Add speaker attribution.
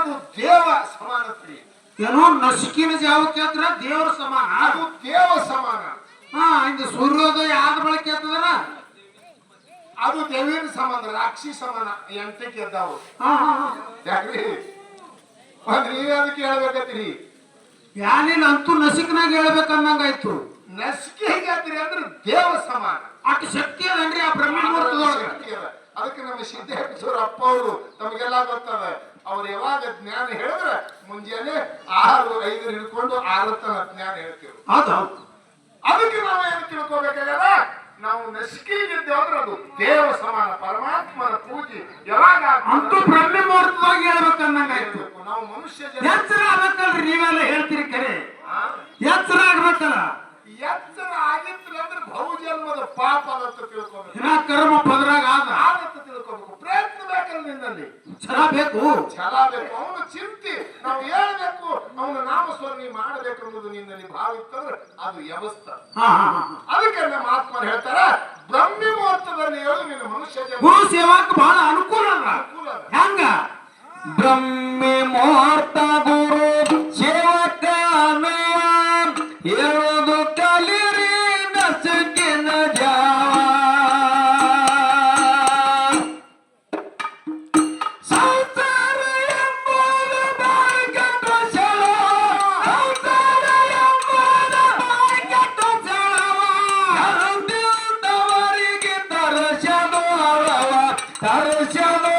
Speaker 1: ಅದು ದೇವ ಸಮಾನತ್ರಿ.
Speaker 2: ಏನೋ ನಸುಕಿನ ಜಾವಕ್ಕೆ ಆದ್ರ ದೇವರ ಸಮಾನ,
Speaker 1: ಅದು ದೇವ ಸಮಾನ.
Speaker 2: ಹಾ ಇದು ಸೂರ್ಯೋದಯ ಆದ ಬಳಕೆ ಆಗ್ತದಲ್ಲ
Speaker 1: ಅದು ದೇವಿನ ಸಮಾನ, ರಾಕ್ಷಿ ಸಮಾನ. ಎಂಟಕ್ಕೆ ಎದ್ದಾವು ಯಾಕ್ರಿ ನೀವೇ ಅದಕ್ಕೆ ಹೇಳ್ಬೇಕತ್ರಿ.
Speaker 2: ಯಾನಿಲ್ಲ ಅಂತೂ ನಸಿಕನಾಗ ಹೇಳ್ಬೇಕನ್ನಂಗಾಯ್ತು.
Speaker 1: ನಸಿಕೆ ಹೇಗಾದ್ರಿ ಅಂದ್ರೆ ದೇವ ಸಮಾನ.
Speaker 2: ಅಷ್ಟು ಶಕ್ತಿ ಅದನ್ರಿ ಆ ಬ್ರಹ್ಮ ಮುಹೂರ್ತದೊಳಗೆ.
Speaker 1: ಅದಕ್ಕೆ ನಮ್ಮ ಸಿದ್ದೇಶ್ವರ ಅಪ್ಪ ಅವರು ತಮಗೆಲ್ಲ ಗೊತ್ತದ. ಅವ್ರು ಯಾವಾಗ ಜ್ಞಾನ ಹೇಳಿದ್ರೆ ಮುಂಜಾನೆ 6-5 ಹಿಡ್ಕೊಂಡು 6 ತನ ಜ್ಞಾನ ಹೇಳ್ತೀವಿ. ಅದಕ್ಕೆ ನಾವು ಏನು ತಿಳ್ಕೋಬೇಕಾಗಲ್ಲ, ನಾವು ನಸಿಕೆಗಿದ್ದೇವೆ ಅಂದ್ರೆ ಅದು ದೇವ ಸಮಾನ, ಪರಮಾತ್ಮನ ಪೂಜೆ ಯಾವಾಗ
Speaker 2: ಅಂತೂ ಬ್ರಹ್ಮ ಮುಹೂರ್ತದಾಗ ಹೇಳ್ಬೇಕನ್ನಂಗಾಯ್ತು.
Speaker 1: ನಾವು ಮನುಷ್ಯ
Speaker 2: ಎಚ್ಚರ ಆಗ್ಬೇಕಲ್ರಿ, ನೀವೆಲ್ಲ ಹೇಳ್ತೀರಿ ಕರೆ. ಎಚ್ಚರ ಆಗ್ಬೇಕಲ್ಲ.
Speaker 1: ಎಚ್ಚರ ಆಗಿತ್ತು ಅಂದ್ರೆ ಬಹುಜನ್ಮದ ಪಾಪ ಅಂತ ತಿಳ್ಕೋಬೇಕು.
Speaker 2: ಕರ್ಮ ಪದರಾಗ
Speaker 1: ಆಗತ್ತ ತಿಳ್ಕೋಬೇಕು. ಪ್ರಯತ್ನ ಬೇಕಲ್ಲ ನಿನ್ನಲ್ಲಿ,
Speaker 2: ಛಲ ಬೇಕು,
Speaker 1: ಛಲ ಬೇಕು. ಅವನ ಚಿಂತೆ ನಾವು ಹೇಳ್ಬೇಕು, ಅವನ ನಾಮಸ್ಮರಣೆ ಮಾಡಬೇಕು ಅನ್ನೋದು ನಿನ್ನಲ್ಲಿ ಭಾವ ಇತ್ತಂದ್ರೆ ಅದು ವ್ಯವಸ್ಥ. ಅದಕ್ಕೆ ನಮ್ಮ ಆತ್ಮರು ಹೇಳ್ತಾರ ಬ್ರಹ್ಮ ಮುಹೂರ್ತದಲ್ಲಿ ಹೇಳು ನಿನ್ನ ಮನುಷ್ಯ
Speaker 2: ಗುರು ಸೇವಾಕ್ ಬಹಳ ಅನುಕೂಲ ಹೆಂಗ. ಬ್ರಹ್ಮ ಮುಹೂರ್ತ ಗುರು ಸೇವಕ ಹೇಳೋದು ಕಲಿರಿ ನಸುಕಿನ ಜಾವ. ಸಂಸಾರ ಎಂಬುದು ಬಾಯಿಗೆಟ್ಟ ಸೆಳ, ಸಂಸಾರ ಎಂಬುದು ಬಾಯಿಗೆಟ್ಟ ಸೆಳವ. ಹಂದಿದ್ದವರಿಗೆ ತರಸದು ಹರವ, ತರಸದು